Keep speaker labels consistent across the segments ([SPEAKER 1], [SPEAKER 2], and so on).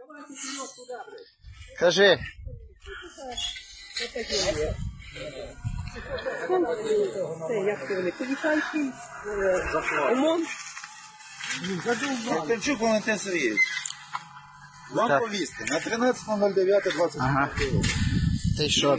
[SPEAKER 1] Кажи.
[SPEAKER 2] Це, як це вони, поліцейський, ОМОН.
[SPEAKER 3] Ковтончук Валентин Сергійович. Вам
[SPEAKER 1] Так.
[SPEAKER 3] повістка на 13.09.20.
[SPEAKER 1] Ага. Ти що?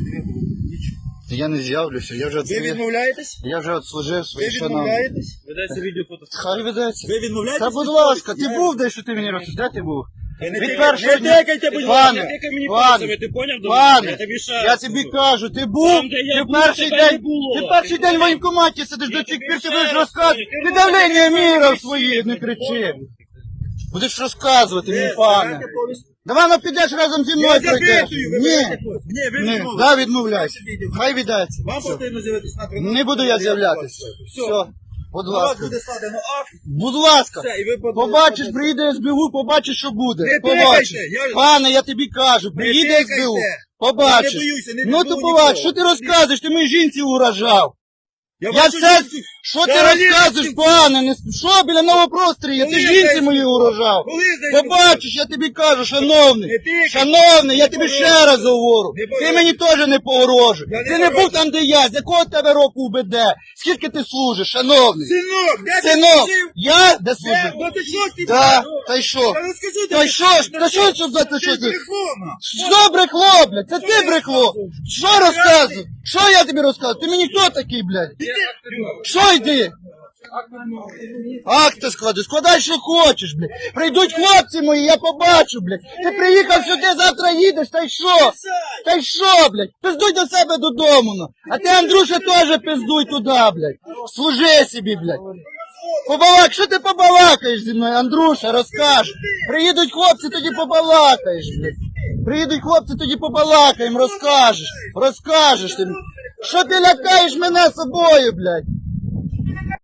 [SPEAKER 1] Я не з'явлюся, я вже
[SPEAKER 3] Ви
[SPEAKER 1] відслужив.
[SPEAKER 3] відмовляєтесь?
[SPEAKER 1] Я вже відслужив
[SPEAKER 3] Ви
[SPEAKER 1] свої шановні.
[SPEAKER 3] відмовляєтесь?
[SPEAKER 2] Ведеться відеофото.
[SPEAKER 1] Хай ведеться.
[SPEAKER 3] Ви відмовляєтесь?
[SPEAKER 1] Та будь ласка, ти був де, що ти мені розповів? Де ти був?
[SPEAKER 3] Не
[SPEAKER 1] Від
[SPEAKER 3] тикайте,
[SPEAKER 1] першого
[SPEAKER 3] не
[SPEAKER 1] дня.
[SPEAKER 3] тикайте, будь ласка,
[SPEAKER 1] Пане,
[SPEAKER 2] Не тикай мені
[SPEAKER 1] пане,
[SPEAKER 2] пальцями, ти поняв? до мене?
[SPEAKER 1] пане,
[SPEAKER 2] Я тобі ще
[SPEAKER 1] я
[SPEAKER 2] раз
[SPEAKER 1] тобі
[SPEAKER 2] кажу.
[SPEAKER 1] кажу, ти був,
[SPEAKER 2] Там, де я
[SPEAKER 1] ти
[SPEAKER 2] був,
[SPEAKER 1] перший
[SPEAKER 2] тебе не
[SPEAKER 1] день,
[SPEAKER 2] було.
[SPEAKER 1] ти перший день в воєнкоматі сидиш, до цих пір ти будеш розказувати. Ти давлення міряв свої, не кричи. Будеш розказувати мені, пане.
[SPEAKER 3] Давайте повістку.
[SPEAKER 1] Давай ну підеш разом зі мною
[SPEAKER 3] Я
[SPEAKER 1] пройдеш.
[SPEAKER 3] запитую, ви
[SPEAKER 1] Ні,
[SPEAKER 3] берете повістку. Ні, ви
[SPEAKER 1] ні,
[SPEAKER 3] відмовляєтесь.
[SPEAKER 1] да, відмовляйся. Хай віддається.
[SPEAKER 3] Вам потрібно з'явитися на 13.09.20.
[SPEAKER 1] Не буду я з'являтися. Все, будь
[SPEAKER 3] На вас
[SPEAKER 1] ласка.
[SPEAKER 3] буде складено акт.
[SPEAKER 1] Будь ласка.
[SPEAKER 3] Все, і ви
[SPEAKER 1] Побачиш, приїде СБУ, побачиш, що буде.
[SPEAKER 3] Не
[SPEAKER 1] Побачиш.
[SPEAKER 3] тикайте, я-
[SPEAKER 1] Пане, я тобі кажу, приїде
[SPEAKER 3] тикайте.
[SPEAKER 1] СБУ.
[SPEAKER 3] Я
[SPEAKER 1] Побачиш.
[SPEAKER 3] не боюся, не
[SPEAKER 1] Ну
[SPEAKER 3] піду
[SPEAKER 1] то
[SPEAKER 3] нікого.
[SPEAKER 1] побачиш, що ти розказуєш, ти моїй жінці угрожав. Я
[SPEAKER 3] бачу,
[SPEAKER 1] все,
[SPEAKER 3] жінці-
[SPEAKER 1] що ти
[SPEAKER 3] Взагалі,
[SPEAKER 1] розказуєш,
[SPEAKER 3] ти-
[SPEAKER 1] пане, не, що біля Новопрострія, ти
[SPEAKER 3] Коли
[SPEAKER 1] жінці
[SPEAKER 3] здається,
[SPEAKER 1] моїй угрожав.
[SPEAKER 3] коли здається,
[SPEAKER 1] Побачиш, я тобі кажу, шановний,
[SPEAKER 3] Не тикай.
[SPEAKER 1] шановний, я
[SPEAKER 3] Не
[SPEAKER 1] тобі ще
[SPEAKER 3] погрожуй.
[SPEAKER 1] раз говорю,
[SPEAKER 3] Не
[SPEAKER 1] ти
[SPEAKER 3] погрожуй.
[SPEAKER 1] мені теж не погрожуй.
[SPEAKER 3] Я не
[SPEAKER 1] Ти не був
[SPEAKER 3] погрожую.
[SPEAKER 1] там, де я, з якого тебе року УБД, скільки ти служиш, шановний.
[SPEAKER 3] Синок, де ти
[SPEAKER 1] Синок,
[SPEAKER 3] служив?
[SPEAKER 1] я де
[SPEAKER 3] Де?
[SPEAKER 1] служив?
[SPEAKER 3] 26-й
[SPEAKER 1] Да,
[SPEAKER 3] рік.
[SPEAKER 1] та й що?
[SPEAKER 3] Я розкажу
[SPEAKER 1] Та й що ж, та що ж за те, що
[SPEAKER 3] Ти
[SPEAKER 1] ти?
[SPEAKER 3] брехуна.
[SPEAKER 1] Що брехло, блядь? Це ти брехло. Що розказуєш? Що я тобі розказую? Ти мені хто такий, блядь? Що йди? Акти склади, складай, що хочеш, блядь. Прийдуть хлопці мої, я побачу, блядь. Ти приїхав сюди, завтра їдеш, та й що? Та й що, блядь? Пиздуй до себе додому, ну. А ти, Андрюша, теж пиздуй туди, блядь. Служи собі, блядь. Побалак, що ти побалакаєш зі мною, Андрюша, розкажеш. Приїдуть хлопці, тоді побалакаєш, блядь. Приїдуть хлопці, тоді побалакаємо, розкажеш. Розкажеш ти. Що ти лякаєш мене собою, блядь?